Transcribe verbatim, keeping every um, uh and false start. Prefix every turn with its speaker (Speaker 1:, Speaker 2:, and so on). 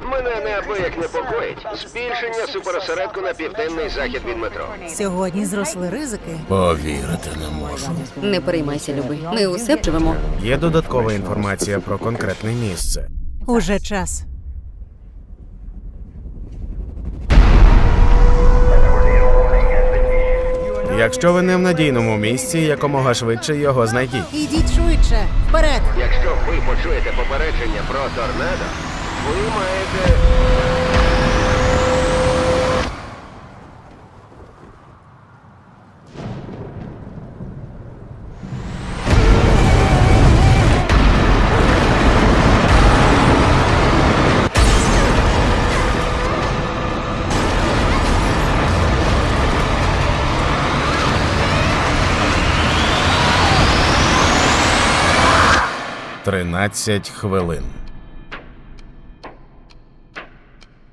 Speaker 1: Мене неабияк непокоїть збільшення суперосередку на південний захід від метро.
Speaker 2: Сьогодні зросли ризики.
Speaker 3: Повірити не можу.
Speaker 4: Не переймайся, любий. Ми усе живемо.
Speaker 5: Є додаткова інформація про конкретне місце.
Speaker 2: Уже час.
Speaker 5: Якщо ви не в надійному місці, якомога швидше його знайдіть.
Speaker 2: Ідіть швидше. Вперед!
Speaker 1: Якщо ви почуєте попередження про торнадо, ви маєте...
Speaker 5: Тринадцять хвилин.